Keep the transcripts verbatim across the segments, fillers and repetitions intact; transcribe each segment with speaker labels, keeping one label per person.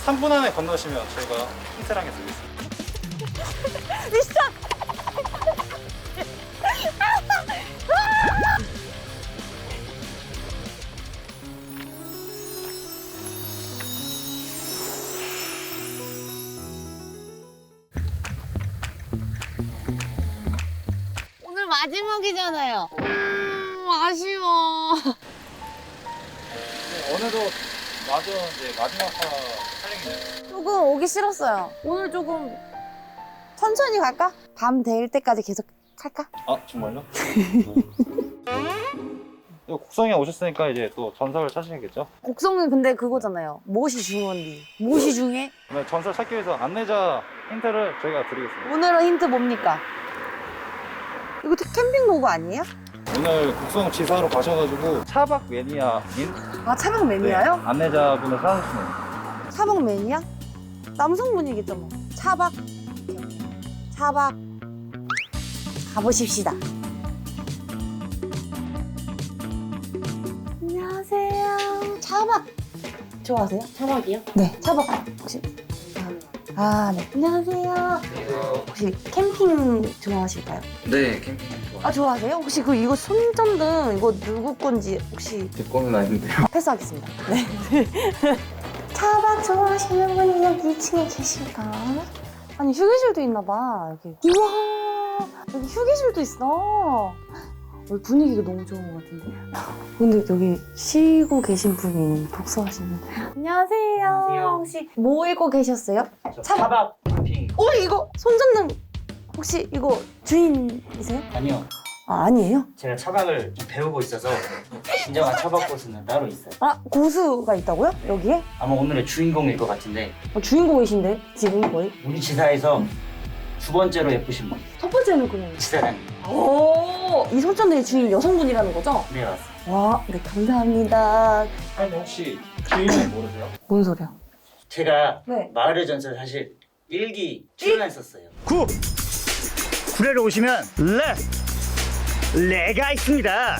Speaker 1: 삼 분 안에 건너시면 저희가 힌트를 하게 드리겠습니다.
Speaker 2: 미션! 오늘 마지막이잖아요. 음, 아쉬워.
Speaker 1: 네, 어느덧 마저 이제 마지막 화 촬영이네요.
Speaker 2: 조금 오기 싫었어요. 오늘 조금 천천히 갈까? 밤 될 때까지 계속 할까?
Speaker 1: 아 정말요? 이거 곡성에 오셨으니까 이제 또 전설을 찾으셔야겠죠?
Speaker 2: 곡성은 근데 그거잖아요. 무엇이 중요한지. 무엇이 중요해?
Speaker 1: 네, 전설 찾기 위해서 안내자 힌트를 저희가 드리겠습니다.
Speaker 2: 오늘은 힌트 뭡니까? 이거 캠핑 로고 아니에요?
Speaker 1: 오늘 곡성 지사로 가셔가지고 차박 매니아인
Speaker 2: 아, 차박 매니아요?
Speaker 1: 네, 안내자분을 찾으시면
Speaker 2: 차박 매니아? 남성분이겠죠 뭐. 차박. 차박. 가보십시다. 안녕하세요. 차박 좋아하세요?
Speaker 3: 차박이요?
Speaker 2: 네, 차박 혹시? 아, 네. 안녕하세요. 혹시 캠핑 좋아하실까요?
Speaker 4: 네, 캠핑 좋아.
Speaker 2: 아, 좋아하세요? 혹시 그 이거 손전등 이거 누구 건지 혹시
Speaker 4: 제 거는 아닌데요.
Speaker 2: 패스하겠습니다. 네. 차박 좋아하시는 분이 여기 이 층에 계실까? 아니, 휴게실도 있나 봐, 여기. 우와, 여기 휴게실도 있어. 여기 분위기가 너무 좋은 것 같은데. 근데 여기 쉬고 계신 분이 독서하시는. 안녕하세요.
Speaker 3: 안녕하세요.
Speaker 2: 혹시 뭐 읽고 계셨어요? 차박.
Speaker 3: 차박 캠핑.
Speaker 2: 어, 이거 손전등 혹시 이거 주인이세요?
Speaker 3: 아니요.
Speaker 2: 아, 아니에요?
Speaker 3: 제가 차박을 좀 배우고 있어서 진정한 차박 코스는 따로 있어요.
Speaker 2: 아, 고수가 있다고요? 여기에?
Speaker 3: 아마 오늘의 주인공일 것 같은데
Speaker 2: 어, 주인공이신데 지금 거의?
Speaker 3: 우리 지사에서 두 번째로 예쁘신 분
Speaker 2: 첫 번째는 그냥.
Speaker 3: 지사장님.
Speaker 2: 오, 이 손전등의 주인 여성분이라는 거죠?
Speaker 3: 네, 맞습니다.
Speaker 2: 와, 네, 감사합니다.
Speaker 1: 아니 혹시 주인은 모르세요?
Speaker 2: 뭔 소리야?
Speaker 3: 제가
Speaker 2: 네.
Speaker 3: 마을의 전설 사실 일기 출연했었어요.
Speaker 5: 구! 구례로 오시면 레! 레가 있습니다.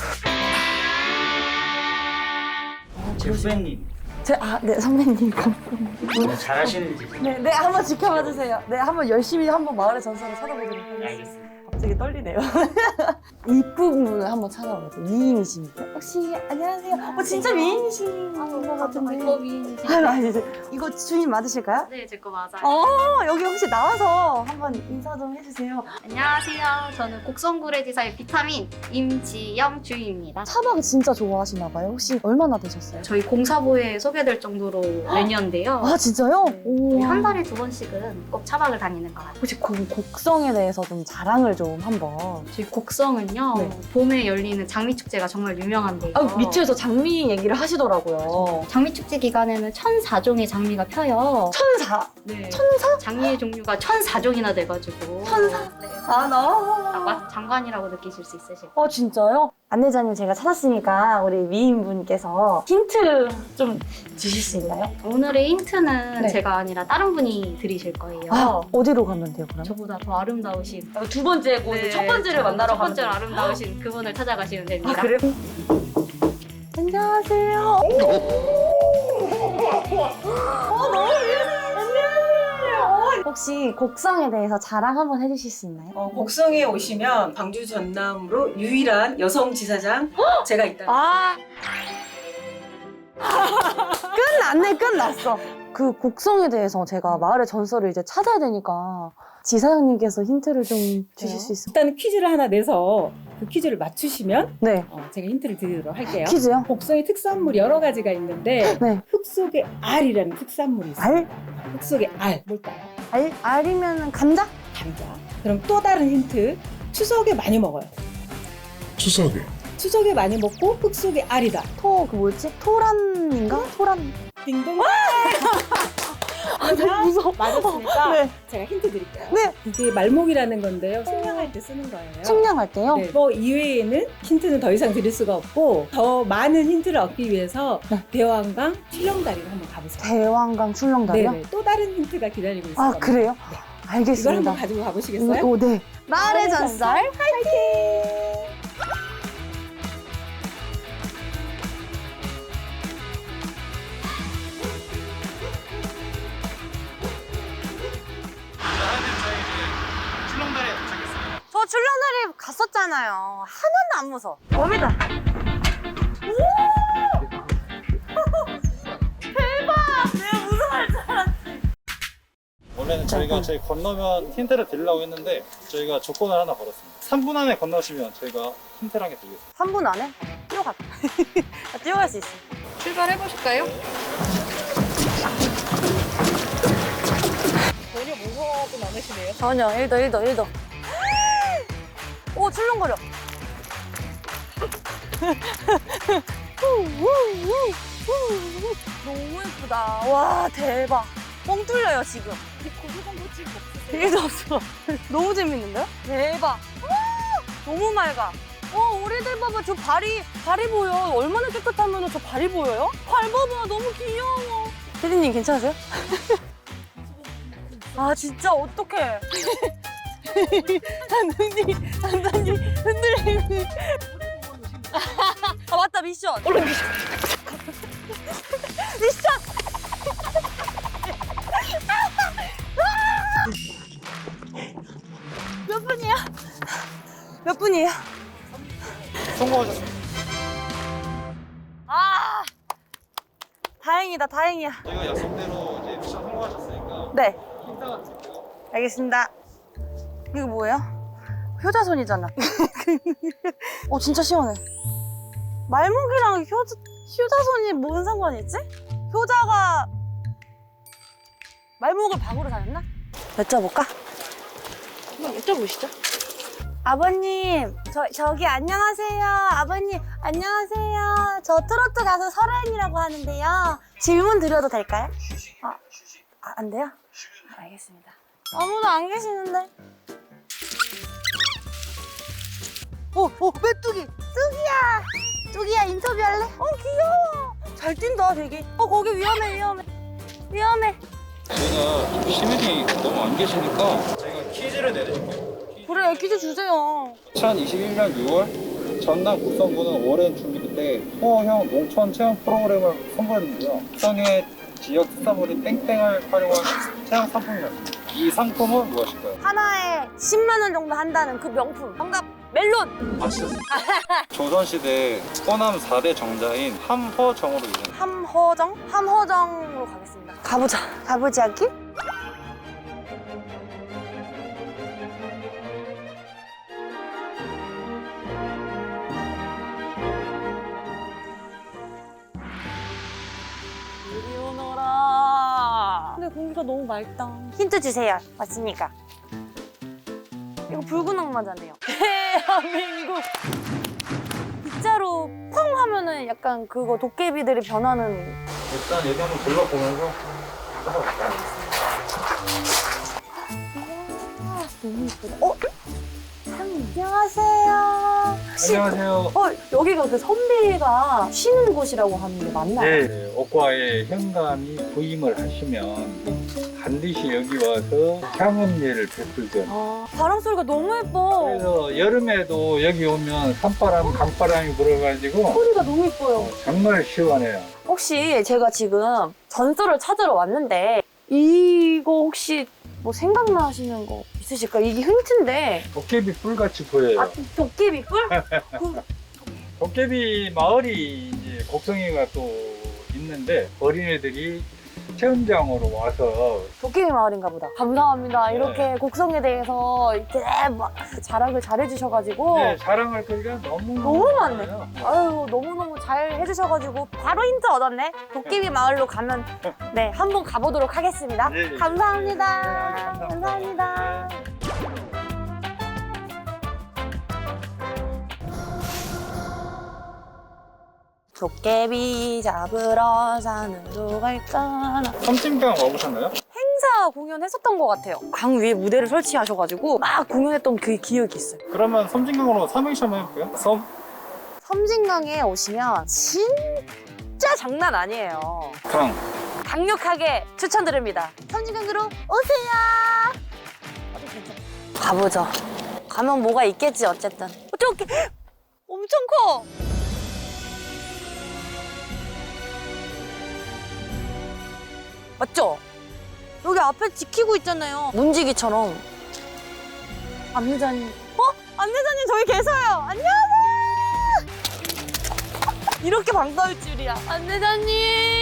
Speaker 3: 제 후배님
Speaker 2: 제, 아, 네, 선배님. 감사합니다.
Speaker 3: 오늘 잘하시는지
Speaker 2: 네, 네, 한번 지켜봐 주세요. 네, 한번 열심히 한번 마을의 전설을 찾아보도록 하겠습니다.
Speaker 3: 알겠습니다.
Speaker 2: 갑자기 떨리네요. 이쁜 분을 한번 찾아보세요. 미인이십니까? 혹시, 안녕하세요. 어, 진짜 미인이신 것 같은데.
Speaker 6: 이거 미인이지.
Speaker 2: 아유, 아니, 이제 이거 주인 맞으실까요?
Speaker 6: 네, 제 거 맞아요.
Speaker 2: 어, 여기 혹시 나와서 한번 인사 좀 해주세요.
Speaker 6: 안녕하세요. 저는 곡성구례지사의 비타민 임지영 주임입니다.
Speaker 2: 차박을 진짜 좋아하시나 봐요. 혹시 얼마나 되셨어요?
Speaker 6: 저희 공사부에 소개될 정도로 매년인데요.
Speaker 2: 아, 진짜요?
Speaker 6: 네,
Speaker 2: 오.
Speaker 6: 거의 한 달에 두 번씩은 꼭 차박을 다니는 것 같아요.
Speaker 2: 혹시 그 곡성에 대해서 좀 자랑을 좀 한번.
Speaker 6: 저희 곡성은요,
Speaker 2: 네.
Speaker 6: 봄에 열리는 장미축제가 정말 유명한데요.
Speaker 2: 아, 밑에서 장미 얘기를 하시더라고요.
Speaker 6: 장미축제 기간에는 천사 종의 장미가 펴요.
Speaker 2: 천사.
Speaker 6: 네.
Speaker 2: 천사?
Speaker 6: 장미의 종류가 천사 종이나 돼가지고.
Speaker 2: 천사?
Speaker 6: 네.
Speaker 2: 아, 나.
Speaker 6: 딱 마- 장관이라고 느끼실 수 있으실 거예요.
Speaker 2: 어, 진짜요? 안내자님 제가 찾았으니까 우리 미인분께서 힌트 좀 주실 수 있나요?
Speaker 6: 오늘의 힌트는
Speaker 2: 네.
Speaker 6: 제가 아니라 다른 분이 드리실 거예요.
Speaker 2: 아, 어디로 가면 돼요, 그럼?
Speaker 6: 저보다 더 아름다우신
Speaker 2: 두 번째고
Speaker 6: 네,
Speaker 2: 첫 번째를 만나러
Speaker 6: 첫
Speaker 2: 가면
Speaker 6: 번째로
Speaker 2: 돼요.
Speaker 6: 아름다우신 그분을 찾아가시면 됩니다.
Speaker 2: 아, 그래요? 안녕하세요. 어, 너무 미안해요. 안녕하세요. 혹시 곡성에 대해서 자랑 한번 해주실 수 있나요?
Speaker 7: 어, 곡성에 오시면 광주 전남으로 유일한 여성 지사장 제가 있다.
Speaker 2: 아. 끝났네, 끝났어. 그 곡성에 대해서 제가 마을의 전설을 이제 찾아야 되니까 지사장님께서 힌트를 좀 주실 수 있을까요?
Speaker 7: 일단 퀴즈를 하나 내서 그 퀴즈를 맞추시면
Speaker 2: 네.
Speaker 7: 어, 제가 힌트를 드리도록 할게요.
Speaker 2: 퀴즈요?
Speaker 7: 곡성의 특산물이 여러 가지가 있는데
Speaker 2: 네.
Speaker 7: 흙 속에 알이라는 특산물이 있어요.
Speaker 2: 알?
Speaker 7: 흙 속에 알 뭘까요?
Speaker 2: 알? 알이면 감자?
Speaker 7: 감자. 그럼 또 다른 힌트. 추석에 많이 먹어요.
Speaker 8: 추석에
Speaker 7: 추석에 많이 먹고 흙 속에 알이다.
Speaker 2: 토, 그 뭐였지? 토란인가? 토란.
Speaker 7: 딩동.
Speaker 2: 아, 무서워.
Speaker 7: 맞았으니까
Speaker 2: 네.
Speaker 7: 제가 힌트 드릴게요.
Speaker 2: 네.
Speaker 7: 이게 말목이라는 건데요. 측량할 때 쓰는 거예요.
Speaker 2: 측량할게요.
Speaker 7: 네, 뭐 이외에는 힌트는 더 이상 드릴 수가 없고 더 많은 힌트를 얻기 위해서
Speaker 2: 네.
Speaker 7: 대왕강 출렁다리를 한번 가보세요.
Speaker 2: 대왕강 출렁다리요?
Speaker 7: 네네. 또 다른 힌트가 기다리고 있을
Speaker 2: 아,
Speaker 7: 겁니다.
Speaker 2: 그래요?
Speaker 7: 네. 이걸
Speaker 2: 알겠습니다.
Speaker 7: 한번 가지고 가보시겠어요?
Speaker 2: 오, 네. 마을의
Speaker 7: 마을의
Speaker 2: 전설 화이팅! 출렁다리 갔었잖아요. 하나도 안 무서워. 웜이다.
Speaker 1: 원래는 저희가 저희 건너면 힌트를 드리려고 했는데 저희가 조건을 하나 걸었습니다. 삼 분 안에 건너시면 저희가 힌트를 하게 드리겠습니다.
Speaker 2: 삼 분 안에? 뛰어가. 나 뛰어갈 수 있어.
Speaker 4: 출발해 보실까요? 전혀 무서워하진 않으시네요.
Speaker 2: 전혀. 일 도 일 도 일 도. 오, 출렁거려. 너무 예쁘다. 와, 대박. 뻥 뚫려요, 지금. 되게 없어. 너무 재밌는데요? 대박. 와, 너무 맑아. 와, 우리들 봐봐. 저 발이, 발이 보여. 얼마나 깨끗하면 저 발이 보여요? 발 봐봐. 너무 귀여워. 피디님 괜찮으세요? 아, 진짜 어떡해. 단단히, 단단히 흔들리는. 아, 맞다. 미션. 얼른 미션. 미션. 몇 분이야? 몇 분이에요?
Speaker 1: 성공하셨습니다.
Speaker 2: 아, 다행이다, 다행이야.
Speaker 1: 저희가 약속대로 이제 미션 성공하셨으니까
Speaker 2: 네,
Speaker 1: 힌트 하나 드릴게요.
Speaker 2: 알겠습니다. 이거 뭐예요? 효자손이잖아. 어, 진짜 시원해. 말목이랑 효자, 효자손이 뭔 상관이 있지? 효자가 말목을 박으로 다녔나? 여쭤볼까?
Speaker 4: 한번 여쭤보시죠.
Speaker 2: 아버님, 저, 저기 안녕하세요. 아버님, 안녕하세요. 저 트로트 가수 설아인이라고 하는데요. 질문 드려도 될까요? 아, 아, 안 돼요? 아, 알겠습니다. 아무도 안 계시는데. 오, 오, 메뚜기! 뚜기야! 뚜기야, 인터뷰할래? 어, 귀여워. 잘 뛴다, 되게. 어, 거기 위험해, 위험해. 위험해.
Speaker 1: 저희가 시민이 너무 안 계시니까 저희가 퀴즈를 내드릴게요.
Speaker 2: 그래, 퀴즈 주세요.
Speaker 1: 이천이십일 년 유월 전남 국성군은 오랜 준비 끝에 소형 농촌 체험 프로그램을 선보였는데요. 국성의 지역 특산물인 땡땡을 활용한 체험 상품이었습니다. 이 상품은 무엇일까요?
Speaker 2: 하나에 십만 원 정도 한다는 그 명품. 정답, 멜론!
Speaker 1: 맞추셨습니다. 조선시대 호남 사 대 정자인 함허정으로 이름.
Speaker 2: 함허정? 함허정으로 가겠습니다. 가보자. 가보지 않기? 이리 오너라. 근데 공기가 너무 맑다. 힌트 주세요. 맞으니까. 이거 붉은 악마잖아요. 대한민국. 빗자루 펑 하면은 약간 그거 도깨비들이 변하는.
Speaker 1: 일단 여기 한번 둘러보면서
Speaker 2: 아, 너무 예쁘다. 어? 안녕하세요. 혹시-
Speaker 1: 안녕하세요.
Speaker 2: 어, 여기가 그 선비가 쉬는 곳이라고 하는데 맞나요?
Speaker 1: 네, 옥과에 현감이 부임을 하시면 반드시 여기 와서 향음례를 베풀죠.
Speaker 2: 아, 바람 소리가 너무 예뻐.
Speaker 1: 그래서 여름에도 여기 오면 산바람, 강바람이 불어가지고
Speaker 2: 소리가 너무 예뻐요.
Speaker 1: 정말 시원해요.
Speaker 2: 혹시 제가 지금 전설을 찾으러 왔는데 이거 혹시 뭐 생각나시는 거 있으실까요? 이게 힌트인데.
Speaker 1: 도깨비 뿔같이 보여요.
Speaker 2: 아, 도깨비 뿔? 그,
Speaker 1: 도깨비 마을이 이제 곡성이가 또 있는데 어린애들이 체험장으로 와서
Speaker 2: 도깨비 마을인가 보다. 감사합니다.
Speaker 1: 네.
Speaker 2: 이렇게 곡성에 대해서 이렇게 막 자랑을 잘 해주셔가지고.
Speaker 1: 네, 자랑할 거리가 너무
Speaker 2: 너무 많네.
Speaker 1: 많아요.
Speaker 2: 아유, 너무너무 잘 해주셔가지고 바로 힌트 얻었네. 도깨비 마을로 가면 네, 한번 가보도록 하겠습니다.
Speaker 1: 네, 네.
Speaker 2: 감사합니다.
Speaker 1: 네, 감사합니다.
Speaker 2: 감사합니다. 도깨비 잡으러 산으로 갈까나.
Speaker 1: 섬진강 와보셨나요?
Speaker 2: 행사 공연했었던 것 같아요. 강 위에 무대를 설치하셔가지고 막 공연했던 그 기억이 있어요.
Speaker 1: 그러면 섬진강으로 삼행시 한번 해볼까요? 섬,
Speaker 2: 섬진강에 오시면 진짜 장난 아니에요.
Speaker 1: 강.
Speaker 2: 강력하게 추천드립니다. 섬진강으로 오세요. 가보죠. 가면 뭐가 있겠지 어쨌든. 어떡해. 엄청 커. 맞죠? 여기 앞에 지키고 있잖아요. 문지기처럼. 안내자님. 어? 안내자님 저기 계세요. 안녕하세요. 이렇게 반가울 줄이야. 안내자님.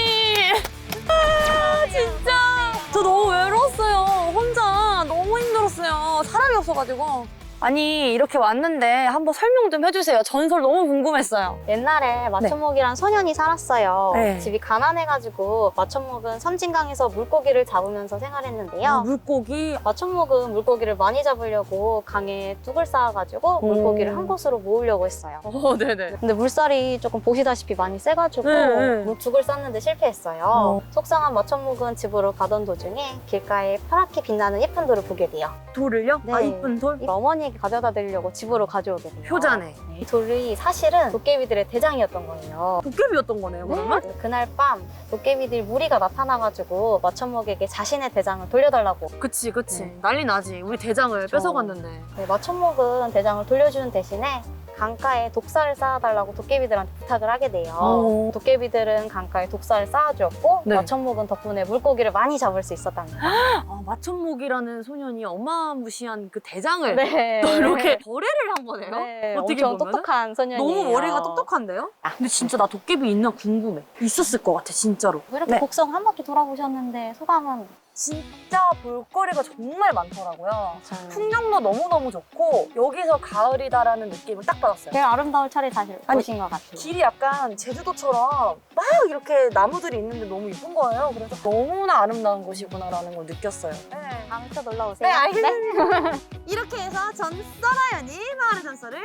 Speaker 2: 아 진짜. 저 너무 외로웠어요. 혼자 너무 힘들었어요. 사람이 없어가지고. 아니 이렇게 왔는데 한번 설명 좀 해주세요. 전설 너무 궁금했어요.
Speaker 9: 옛날에 마천목이란 소년이 살았어요.
Speaker 2: 네.
Speaker 9: 집이 가난해가지고 마천목은 섬진강에서 물고기를 잡으면서 생활했는데요.
Speaker 2: 아, 물고기.
Speaker 9: 마천목은 물고기를 많이 잡으려고 강에 뚝을 쌓아가지고
Speaker 2: 오.
Speaker 9: 물고기를 한 곳으로 모으려고 했어요.
Speaker 2: 어, 네네.
Speaker 9: 근데 물살이 조금 보시다시피 많이 세가지고
Speaker 2: 네, 네.
Speaker 9: 뚝을 쌓는데 실패했어요.
Speaker 2: 어.
Speaker 9: 속상한 마천목은 집으로 가던 도중에 길가에 파랗게 빛나는 예쁜 돌을 보게 돼요.
Speaker 2: 돌을요?
Speaker 9: 네.
Speaker 2: 아 이쁜 돌?
Speaker 9: 어머니에게 가져다 드리려고 집으로 가져오게 돼요.
Speaker 2: 효자네.
Speaker 9: 이 돌이 사실은 도깨비들의 대장이었던 거예요.
Speaker 2: 도깨비였던 거네요, 그러면?
Speaker 9: 네. 그날 밤 도깨비들 무리가 나타나가지고 마천목에게 자신의 대장을 돌려달라고.
Speaker 2: 그치, 그치.
Speaker 9: 네.
Speaker 2: 난리 나지. 우리 대장을
Speaker 9: 그쵸.
Speaker 2: 뺏어갔는데.
Speaker 9: 네, 마천목은 대장을 돌려주는 대신에 강가에 독사를 쌓아달라고 도깨비들한테 부탁을 하게 돼요.
Speaker 2: 어.
Speaker 9: 도깨비들은 강가에 독사를 쌓아주었고
Speaker 2: 네.
Speaker 9: 마천목은 덕분에 물고기를 많이 잡을 수 있었답니다.
Speaker 2: 아, 마천목이라는 소년이 어마무시한 그 대장을
Speaker 9: 네.
Speaker 2: 또 이렇게 거래를 한 거네요?
Speaker 9: 네,
Speaker 2: 어떻게
Speaker 9: 엄청
Speaker 2: 보면은?
Speaker 9: 똑똑한 소년이에요.
Speaker 2: 너무 머리가 똑똑한데요? 근데 진짜 나 도깨비 있나 궁금해. 있었을 것 같아, 진짜로.
Speaker 9: 이렇게
Speaker 2: 네.
Speaker 9: 곡성 한 바퀴 돌아보셨는데 소감은?
Speaker 2: 진짜 볼거리가 정말 많더라고요.
Speaker 9: 맞아요.
Speaker 2: 풍경도 너무너무 좋고 여기서 가을이다라는 느낌을 딱 받았어요.
Speaker 9: 제일 아름다울 차례 사실
Speaker 2: 아니,
Speaker 9: 보신 것 같아요.
Speaker 2: 길이 약간 제주도처럼 막 이렇게 나무들이 있는데 너무 예쁜 거예요. 그래서 너무나 아름다운 곳이구나라는 걸 느꼈어요. 네.
Speaker 9: 다음에 또 놀러 오세요.
Speaker 2: 네, 알겠습니다. 이렇게 해서 전설아연이 마을의 전설을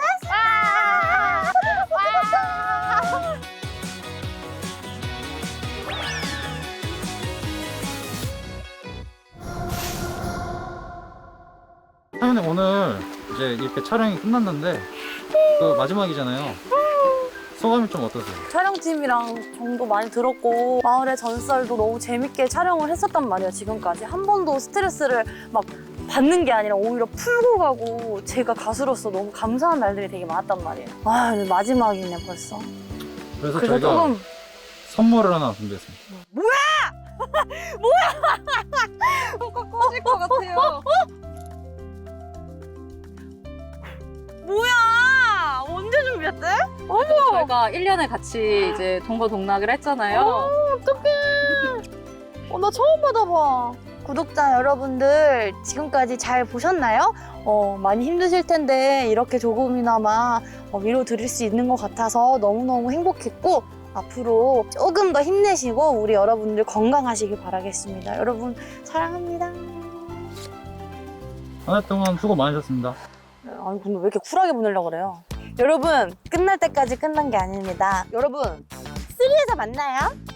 Speaker 1: 사장님 오늘 이제 이렇게 촬영이 끝났는데 그 마지막이잖아요. 소감이 좀 어떠세요?
Speaker 2: 촬영팀이랑 정도 많이 들었고 마을의 전설도 너무 재밌게 촬영을 했었단 말이에요. 지금까지 한 번도 스트레스를 막 받는 게 아니라 오히려 풀고 가고 제가 가수로서 너무 감사한 날들이 되게 많았단 말이에요. 아 근데 마지막이네 벌써.
Speaker 1: 그래서,
Speaker 2: 그래서
Speaker 1: 저희가
Speaker 2: 조금
Speaker 1: 선물을 하나 준비했습니다.
Speaker 4: 꺼질 것 같아요.
Speaker 2: 뭐야? 언제 준비했대?
Speaker 4: 저희가 일 년에 같이 이제 동거동락을 했잖아요.
Speaker 2: 어, 나 처음 받아봐. 구독자 여러분들 지금까지 잘 보셨나요? 어, 많이 힘드실 텐데 이렇게 조금이나마 어, 위로 드릴 수 있는 것 같아서 너무너무 행복했고 앞으로 조금 더 힘내시고 우리 여러분들 건강하시길 바라겠습니다. 여러분 사랑합니다.
Speaker 1: 한 해 동안 수고 많으셨습니다.
Speaker 2: 아니 근데 왜 이렇게 쿨하게 보내려고 그래요? 여러분 끝날 때까지 끝난 게 아닙니다. 여러분 쓰리에서 만나요.